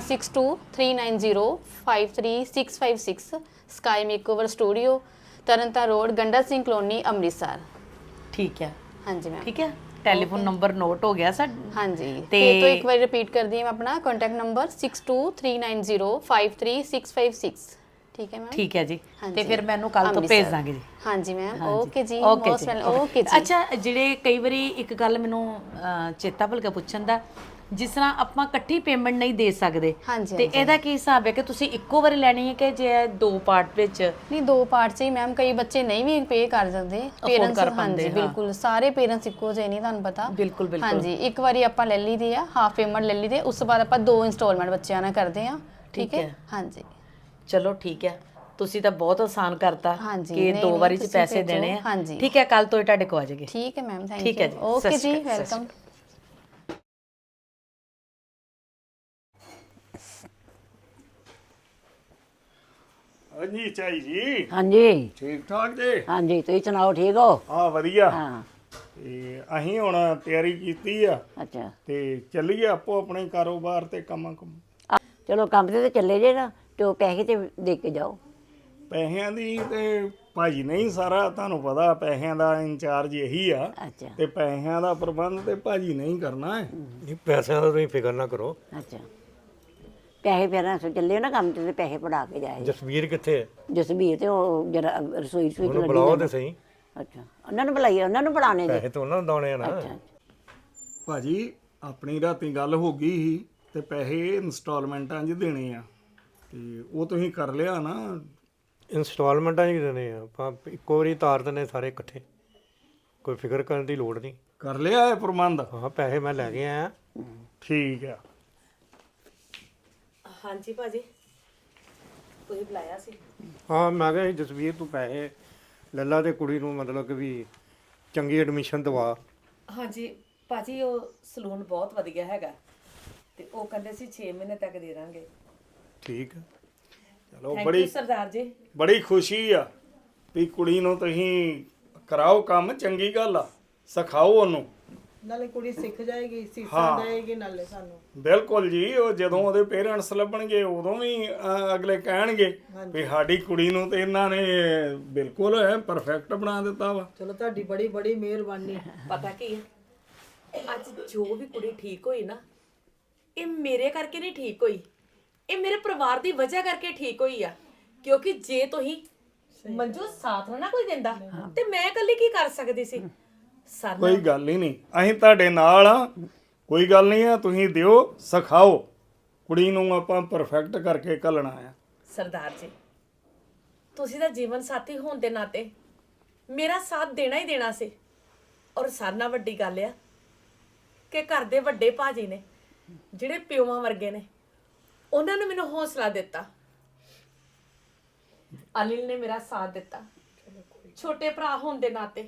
[SPEAKER 6] 6239053656, sky makeover studio, Tarn Taran road, Ganda Singh colony, Amritsar.
[SPEAKER 1] ਠੀਕ ਹੈ,
[SPEAKER 6] ਹਾਂਜੀ ਮੈਮ।
[SPEAKER 1] ਠੀਕ ਹੈ। ਟੈਲੀਫੋਨ ਨੰਬਰ ਨੋਟ ਹੋ ਗਿਆ ਸਾਡਾ।
[SPEAKER 6] ਹਾਂਜੀ,
[SPEAKER 1] ਤੇ
[SPEAKER 6] ਫਿਰ ਤੋਂ ਇੱਕ ਵਾਰੀ ਰਿਪੀਟ ਕਰਦੀ ਹਾਂ ਆਪਣਾ ਕੰਟੈਕਟ ਨੰਬਰ 6239053656। ਠੀਕ ਹੈ ਮੈਮ।
[SPEAKER 1] ਠੀਕ ਹੈ ਜੀ।
[SPEAKER 6] ਹਾਂਜੀ।
[SPEAKER 1] ਤੇ ਫਿਰ ਮੈਨੂੰ ਕੱਲ ਤੋਂ
[SPEAKER 6] ਅੰਮ੍ਰਿਤਸਰ।
[SPEAKER 1] ਭੇਜ ਦਾਂਗੇ ਜੀ।
[SPEAKER 6] ਹਾਂਜੀ ਮੈਮ, ਓਕੇ ਜੀ,
[SPEAKER 1] ਓਕੇ
[SPEAKER 6] ਮੋਸਟ
[SPEAKER 1] ਜੀ,
[SPEAKER 6] ਵੈਲਕਮ। ਓਕੇ ਜੀ।
[SPEAKER 1] ਅੱਛਾ, ਜਿਹੜੇ ਕਈ ਵਾਰੀ ਇੱਕ ਗੱਲ ਮੈਨੂੰ ਚੇਤਾ ਭੁੱਲ ਗਿਆ ਪੁੱਛਣ ਦਾ, ਜਿਸ ਤਰ੍ਹਾਂ ਆਪਾਂ ਇਕੱਠੀ ਪੇਮੈਂਟ ਨਹੀਂ ਦੇ ਸਕਦੇ,
[SPEAKER 6] ਹਾਂਜੀ,
[SPEAKER 1] ਤੇ
[SPEAKER 6] ਹਾਂਜੀ।
[SPEAKER 1] ਇਹਦਾ ਕੀ ਹਿਸਾਬ ਹੈ ਕਿ ਤੁਸੀਂ ਇੱਕੋ ਵਾਰੀ ਲੈਣੀ ਹੈ ਕਿ ਜੇ 2 ਪਾਰਟ ਵਿੱਚ?
[SPEAKER 6] ਨਹੀਂ, 2 ਪਾਰਟ 'ਚ ਹੀ ਮੈਮ, ਕਈ ਬੱਚੇ ਨਹੀਂ ਵੀ ਪੇ ਕਰ ਸਕਦੇ ਪੇਰੈਂਟਸ।
[SPEAKER 1] ਕਰ ਪਾਉਂਦੇ,
[SPEAKER 6] ਹਾਂਜੀ, ਬਿਲਕੁਲ ਸਾਰੇ ਪੇਰੈਂਟਸ ਇੱਕੋ ਜਿਹੇ ਨਹੀਂ, ਤੁਹਾਨੂੰ ਪਤਾ।
[SPEAKER 1] ਬਿਲਕੁਲ ਬਿਲਕੁਲ।
[SPEAKER 6] ਹਾਂਜੀ, ਇੱਕ ਵਾਰੀ ਆਪਾਂ ਲੈ ਲਈਦੀ ਆ, ਹਾਫ ਪੇਮੈਂਟ ਲੈ ਲਈਦੀ, ਉਸ ਤੋਂ ਬਾਅਦ ਆਪਾਂ 2 ਇੰਸਟਾਲਮੈਂਟ ਬੱਚਿਆਂ ਨਾਲ ਕਰਦੇ ਆ। ਠੀਕ ਹੈ। ਹਾਂਜੀ,
[SPEAKER 1] ਚਲੋ ਠੀਕ ਹੈ, ਤੁਸੀਂ ਤਾਂ ਬਹੁਤ ਆਸਾਨ ਕਰਤਾ
[SPEAKER 6] ਹਾਂਜੀ,
[SPEAKER 1] ਕਿ
[SPEAKER 6] ਨਹੀਂ,
[SPEAKER 1] 2
[SPEAKER 6] ਨਹੀਂ,
[SPEAKER 1] ਵਾਰੀ ਚ
[SPEAKER 6] ਤੁਸੀਂ
[SPEAKER 1] ਪੈਸੇ
[SPEAKER 6] ਭੇਜੋ।
[SPEAKER 1] ਦੇਣੇ ਆ।
[SPEAKER 6] ਹਾਂਜੀ।
[SPEAKER 1] ਠੀਕ ਹੈ, ਕੱਲ ਤੋਂ ਹੀ ਤੁਹਾਡੇ ਕੋਲ ਆ ਜਾਏਗੇ।
[SPEAKER 6] ਠੀਕ ਹੈ ਮੈਮ, ਥੈਂਕ
[SPEAKER 1] ਠੀਕ ਹੈ
[SPEAKER 6] ਯੂ।
[SPEAKER 1] ਜੀ,
[SPEAKER 6] ਓਕੇ
[SPEAKER 1] ਸਤਿ
[SPEAKER 6] ਜੀ,
[SPEAKER 1] ਸ਼੍ਰੀ ਅਕਾਲ, ਸਤਿ ਸ਼੍ਰੀ
[SPEAKER 6] ਵੈਲਕਮ।
[SPEAKER 7] ਹਾਂਜੀ ਚਾਈ ਜੀ,
[SPEAKER 2] ਹਾਂਜੀ
[SPEAKER 7] ਠੀਕ ਠਾਕ ਜੀ?
[SPEAKER 2] ਹਾਂਜੀ, ਤੁਸੀਂ ਸੁਣਾਓ, ਠੀਕ ਹੋ?
[SPEAKER 7] ਹਾਂ ਵਧੀਆ।
[SPEAKER 2] ਹਾਂ।
[SPEAKER 7] ਤੇ ਅਸੀਂ ਹੁਣ ਤਿਆਰੀ ਕੀਤੀ ਆ
[SPEAKER 2] ਅੱਛਾ,
[SPEAKER 7] ਤੇ ਚੱਲੀਏ ਆਪੋ ਆਪਣੇ ਕਾਰੋਬਾਰ ਤੇ ਕੰਮਾਂ ਕੰਮ।
[SPEAKER 2] ਚਲੋ ਕੰਮ ਤੇ ਚੱਲੇ ਜੇ ਨਾ, ਤੇ ਉਹ ਪੈਸੇ ਤੇ ਦੇ ਕੇ ਜਾਓ।
[SPEAKER 7] ਪੈਸਿਆਂ ਦੀ ਤੇ ਭਾਜੀ ਨਹੀਂ, ਸਾਰਾ ਤੁਹਾਨੂੰ ਪਤਾ ਪੈਸਿਆਂ ਦਾ ਇੰਚਾਰਜ ਇਹੀ ਆ।
[SPEAKER 2] ਅੱਛਾ
[SPEAKER 7] ਤੇ ਪੈਸਿਆਂ ਦਾ ਪ੍ਰਬੰਧ ਤੇ ਭਾਜੀ ਨਹੀਂ ਕਰਨਾ ਹੈ।
[SPEAKER 8] ਨਹੀਂ, ਪੈਸਿਆਂ ਦਾ ਤੁਸੀਂ ਫਿਕਰ ਨਾ ਕਰੋ।
[SPEAKER 2] ਅੱਛਾ, ਪੈਸੇ ਫਿਰ ਅਸੀਂ ਚੱਲੇ ਨਾ ਕੰਮ ਤੇ ਪੈਸੇ ਪੜਾ ਕੇ ਜਾਏ।
[SPEAKER 8] ਜਸਵੀਰ ਕਿੱਥੇ ਹੈ?
[SPEAKER 2] ਜਸਬੀਰ ਤੇ ਉਹ ਜਰਾ ਰਸੋਈ ਚ
[SPEAKER 8] ਉਹਨੂੰ ਬੁਲਾਓ ਤੇ ਸਹੀ।
[SPEAKER 2] ਅੱਛਾ, ਉਹਨਾਂ ਨੂੰ ਬੁਲਾਈਏ, ਉਹਨਾਂ ਨੂੰ ਬੁਲਾਣੇ ਜੀ।
[SPEAKER 8] ਪੈਸੇ ਤਾਂ ਉਹਨਾਂ ਨੂੰ ਦਾਉਣੇ ਆ ਨਾ।
[SPEAKER 2] ਅੱਛਾ,
[SPEAKER 7] ਭਾਜੀ ਆਪਣੀ ਰਾਤੀ ਗੱਲ ਹੋ ਗਈ ਸੀ ਤੇ ਪੈਸੇ ਇੰਸਟਾਲਮੈਂਟਾਂ 'ਚ ਦੇਣੇ ਆ, ਤੇ ਉਹ ਤੁਸੀਂ ਕਰ ਲਿਆ ਨਾ?
[SPEAKER 8] ਇੰਸਟਾਲਮੈਂਟਾਂ ਹੀ ਦੇਣੇ ਆ ਆਪਾਂ, ਇੱਕੋ ਵਾਰੀ ਤਾਰ ਦਿੰਦੇ ਸਾਰੇ ਇਕੱਠੇ, ਕੋਈ ਫਿਕਰ ਕਰਨ ਦੀ ਲੋੜ ਨਹੀਂ।
[SPEAKER 7] ਕਰ ਲਿਆ ਇਹ ਪ੍ਰਬੰਧ?
[SPEAKER 8] ਹਾਂ, ਪੈਸੇ ਮੈਂ ਲੈ ਕੇ ਆਇਆ।
[SPEAKER 7] ਠੀਕ ਆ।
[SPEAKER 1] ਹਾਂਜੀ ਭਾਜੀ, ਤੁਸੀਂ ਬੁਲਾਇਆ ਸੀ?
[SPEAKER 8] ਹਾਂ, ਮੈਂ ਕਿਹਾ ਸੀ ਜਸਵੀਰ ਤੂੰ ਪੈਸੇ ਲੈ ਲਾ ਤੇ ਕੁੜੀ ਨੂੰ ਮਤਲਬ ਕਿ ਵੀ ਚੰਗੀ ਐਡਮਿਸ਼ਨ ਦਵਾ।
[SPEAKER 1] ਹਾਂਜੀ ਭਾਜੀ, ਉਹ ਸਲੂਨ ਬਹੁਤ ਵਧੀਆ ਹੈਗਾ ਤੇ ਉਹ ਕਹਿੰਦੇ ਸੀ 6 ਮਹੀਨੇ ਤੱਕ ਦੇ ਦਾਂਗੇ।
[SPEAKER 8] ਠੀਕ ਹੈ।
[SPEAKER 7] ਚਲੋ,
[SPEAKER 1] ਥੈਂਕ ਯੂ ਸਰਦਾਰ ਜੀ।
[SPEAKER 7] ਬੜੀ ਖੁਸ਼ੀ ਆ ਵੀ ਕੁੜੀ ਨੂੰ ਤੁਸੀਂ ਕਰਾਓ ਕੰਮ, ਚੰਗੀ ਗੱਲ ਆ, ਸਿਖਾਓ ਉਹਨੂੰ।
[SPEAKER 3] ਨਾਲੇ ਕੁੜੀ ਸਿੱਖ ਜਾਏਗੀ, ਸੀਸਾਂ ਦੇਏਗੀ ਨਾਲੇ ਸਾਨੂੰ।
[SPEAKER 7] ਬਿਲਕੁਲ ਜੀ, ਉਹ ਜਦੋਂ ਉਹਦੇ ਪੇਰੈਂਟਸ ਲੱਭਣਗੇ ਉਦੋਂ ਵੀ ਅਗਲੇ ਕਹਿਣਗੇ ਵੀ ਸਾਡੀ ਕੁੜੀ ਨੂੰ ਤੇ ਇਹਨਾਂ ਨੇ ਬਿਲਕੁਲ ਪਰਫੈਕਟ ਬਣਾ ਦਿੱਤਾ ਵਾ।
[SPEAKER 3] ਚਲੋ, ਤੁਹਾਡੀ ਬੜੀ ਬੜੀ ਮਿਹਰਬਾਨੀ।
[SPEAKER 1] ਪਤਾ ਕੀ ਹੈ, ਅੱਜ ਜੋ ਵੀ ਕੁੜੀ ਠੀਕ ਹੋਈ ਨਾ, ਇਹ ਮੇਰੇ ਕਰਕੇ ਨਹੀਂ ਠੀਕ ਹੋਈ, ਇਹ ਮੇਰੇ ਪਰਿਵਾਰ ਦੀ ਵਜ੍ਹਾ ਕਰਕੇ ਠੀਕ ਹੋਈ ਆ। ਕਿਉਂਕਿ ਜੇ ਤੁਸੀਂ ਮੰਜੂ ਸਾਥ ਨਾ ਕੋਈ ਦਿੰਦਾ ਤੇ ਮੈਂ ਇਕੱਲੀ ਕੀ ਕਰ ਸਕਦੀ ਸੀ? ਸਰ
[SPEAKER 7] ਕੋਈ ਗੱਲ ਹੀ ਨਹੀਂ, ਅਸੀਂ ਤੁਹਾਡੇ ਨਾਲ ਆ, ਕੋਈ ਗੱਲ ਨਹੀਂ ਆ, ਤੁਸੀਂ ਦਿਓ, ਸਿਖਾਓ। ਕੁੜੀ ਨੂੰ ਆਪਾਂ ਪਰਫੈਕਟ ਕਰਕੇ ਘੱਲਣਾ ਆ।
[SPEAKER 1] ਸਰਦਾਰ ਜੀ, ਤੁਸੀਂ ਤਾਂ ਜੀਵਨ ਸਾਥੀ ਹੋਣ ਦੇ ਨਾਤੇ ਮੇਰਾ ਸਾਥ ਦੇਣਾ ਹੀ ਦੇਣਾ ਸੀ। ਔਰ ਸਾਰਿਆਂ ਨਾਲੋਂ ਵੱਡੀ ਗੱਲ ਆ ਕਿ ਘਰ ਦੇ ਵੱਡੇ ਭਾਜੀ ਨੇ ਜਿਹੜੇ ਪਿਓਾਂ ਵਰਗੇ ਨੇ, ਉਹਨਾਂ ਨੇ ਮੈਨੂੰ ਹੌਸਲਾ ਦਿੱਤਾ। ਅਨਿਲ ਨੇ ਮੇਰਾ ਸਾਥ ਦਿੱਤਾ। ਛੋਟੇ ਭਰਾ ਹੋਣ ਦੇ ਨਾਤੇ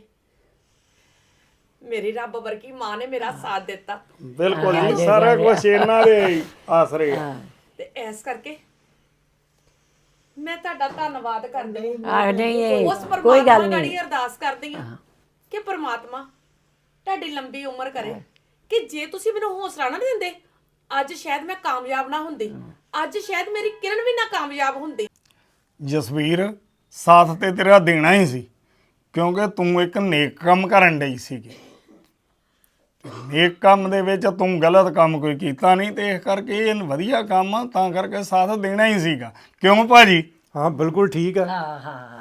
[SPEAKER 1] ਮੇਰੀ ਰੱਬ ਵਰਗੀ ਮਾਂ ਨੇ ਮੇਰਾ ਸਾਥ ਦਿੱਤਾ।
[SPEAKER 7] ਬਿਲਕੁਲ ਜੀ, ਸਾਰਾ ਕੁਝ ਇਹਨਾਂ ਦੇ ਆਸਰੇ ਆ।
[SPEAKER 1] ਤੇ ਇਸ ਕਰਕੇ ਮੈਂ ਤੁਹਾਡਾ ਧੰਨਵਾਦ ਕਰਦੀ
[SPEAKER 2] ਨਹੀਂ
[SPEAKER 1] ਉਸ
[SPEAKER 2] ਕੋਈ
[SPEAKER 1] ਪਰਮਾਤਮਾ
[SPEAKER 2] ਗੱਲ
[SPEAKER 1] ਗਾੜੀ
[SPEAKER 2] ਨਹੀਂ।
[SPEAKER 1] ਅਰਦਾਸ ਕਰਦੀ ਹਾਂ ਕਿ ਪਰਮਾਤਮਾ ਤੁਹਾਡੀ ਲੰਬੀ ਉਮਰ ਕਰੇ। ਕਿ ਜੇ ਤੁਸੀਂ ਮੈਨੂੰ ਹੌਸਲਾ ਨਾ ਦਿੰਦੇ, ਅੱਜ ਸ਼ਾਇਦ ਮੈਂ ਕਾਮਯਾਬ ਨਾ ਹੁੰਦੀ, ਅੱਜ ਸ਼ਾਇਦ ਮੇਰੀ ਕਿਰਨ ਵੀ ਨਾ ਕਾਮਯਾਬ ਹੁੰਦੀ।
[SPEAKER 7] ਜਸਵੀਰ, ਸਾਥ ਤੇ ਤੇਰਾ ਦੇਣਾ ਹੀ ਸੀ, ਕਿਉਂਕਿ ਤੂੰ ਇੱਕ ਨੇਕ ਕੰਮ ਕਰਨ ਡਈ ਸੀਗੀ। ਨੇਕ ਕੰਮ ਦੇ ਵਿੱਚ ਤੂੰ ਗਲਤ ਕੰਮ ਕੋਈ ਕੀਤਾ ਨਹੀਂ, ਤੇ ਇਸ ਕਰਕੇ ਇਹ ਵਧੀਆ ਕੰਮ ਆ, ਤਾਂ ਕਰਕੇ ਸਾਥ ਦੇਣਾ ਹੀ ਸੀਗਾ। ਕਿਉਂ ਭਾਜੀ?
[SPEAKER 8] ਹਾਂ ਬਿਲਕੁਲ ਠੀਕ ਆ।
[SPEAKER 2] ਹਾਂ ਹਾਂ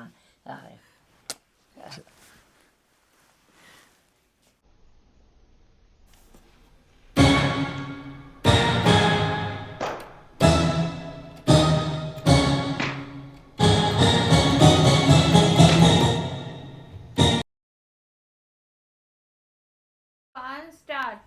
[SPEAKER 4] ਸਟਾਰਟ।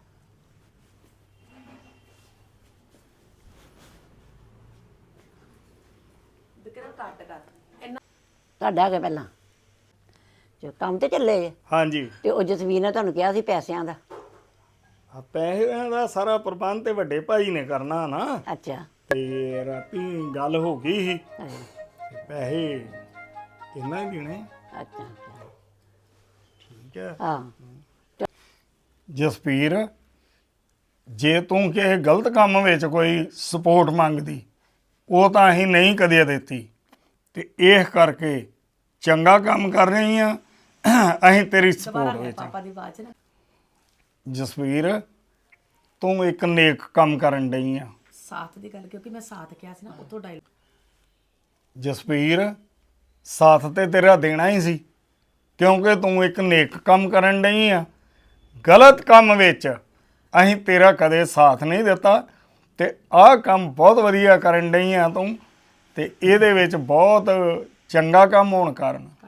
[SPEAKER 1] ਵਿਕਰਮ ਕੱਟ ਕਰ
[SPEAKER 2] ਤੁਹਾਡਾ ਹੈਗਾ ਪਹਿਲਾਂ ਜੋ ਕੰਮ ਤੇ ਚੱਲੇ ਜੇ,
[SPEAKER 7] ਹਾਂਜੀ,
[SPEAKER 2] ਤੇ ਉਹ ਜਸਵੀਰ ਨੇ ਤੁਹਾਨੂੰ ਕਿਹਾ ਸੀ ਪੈਸਿਆਂ ਦਾ।
[SPEAKER 7] ਆ ਪੈਸਿਆਂ ਦਾ ਸਾਰਾ ਪ੍ਰਬੰਧ ਤੇ ਵੱਡੇ ਭਾਈ ਨੇ ਕਰਨਾ ਨਾ।
[SPEAKER 2] ਅੱਛਾ
[SPEAKER 7] ਤੇ ਰਾਤੀ ਗੱਲ ਹੋ ਗਈ ਸੀ,
[SPEAKER 2] ਅੱਛਾ
[SPEAKER 7] ਤੇ ਪੈਸੇ ਇਹਨਾਂ ਹੀ ਦੇਣੇ।
[SPEAKER 2] ਅੱਛਾ
[SPEAKER 7] ਠੀਕ ਹੈ
[SPEAKER 2] ਹਾਂ
[SPEAKER 7] ਜਸਪੀਰ, ਜੇ ਤੂੰ ਕਿਸੇ ਗਲਤ ਕੰਮ ਵਿੱਚ ਕੋਈ ਸਪੋਰਟ ਮੰਗਦੀ, ਉਹ ਤਾਂ ਅਸੀਂ ਨਹੀਂ ਕਦੇ ਦਿੱਤੀ, ਤੇ ਇਸ ਕਰਕੇ ਚੰਗਾ ਕੰਮ ਕਰ ਰਹੀ ਆ, ਅਸੀਂ ਤੇਰੀ ਸਪੋਰਟ ਵਿੱਚ।
[SPEAKER 1] ਪਾਪਾ ਦੀ ਆਵਾਜ਼ ਨਾ।
[SPEAKER 7] ਜਸਵੀਰ, ਤੂੰ ਇੱਕ ਨੇਕ ਕੰਮ ਕਰਨ ਡਈ ਆ।
[SPEAKER 1] ਸਾਥ ਦੀ ਗੱਲ, ਕਿਉਂਕਿ ਮੈਂ ਸਾਥ ਕਿਹਾ ਸੀ ਨਾ, ਉਤੋਂ ਡਾਇਲ।
[SPEAKER 7] ਜਸਵੀਰ, ਸਾਥ ਤੇ ਤੇਰਾ ਦੇਣਾ ਹੀ ਸੀ, ਕਿਉਂਕਿ ਤੂੰ ਇੱਕ ਨੇਕ ਕੰਮ ਕਰਨ ਡਈ ਆ। ਗਲਤ ਕੰਮ ਵਿੱਚ ਅਸੀਂ ਤੇਰਾ ਕਦੇ ਸਾਥ ਨਹੀਂ ਦਿੱਤਾ, ਤੇ ਆਹ ਕੰਮ ਬਹੁਤ ਵਧੀਆ ਕਰਨ ਡਈ ਆ ਤੂੰ, ਤੇ ਇਹਦੇ ਵਿੱਚ ਬਹੁਤ ਚੰਗਾ ਕੰਮ ਹੋਣ ਕਾਰਨ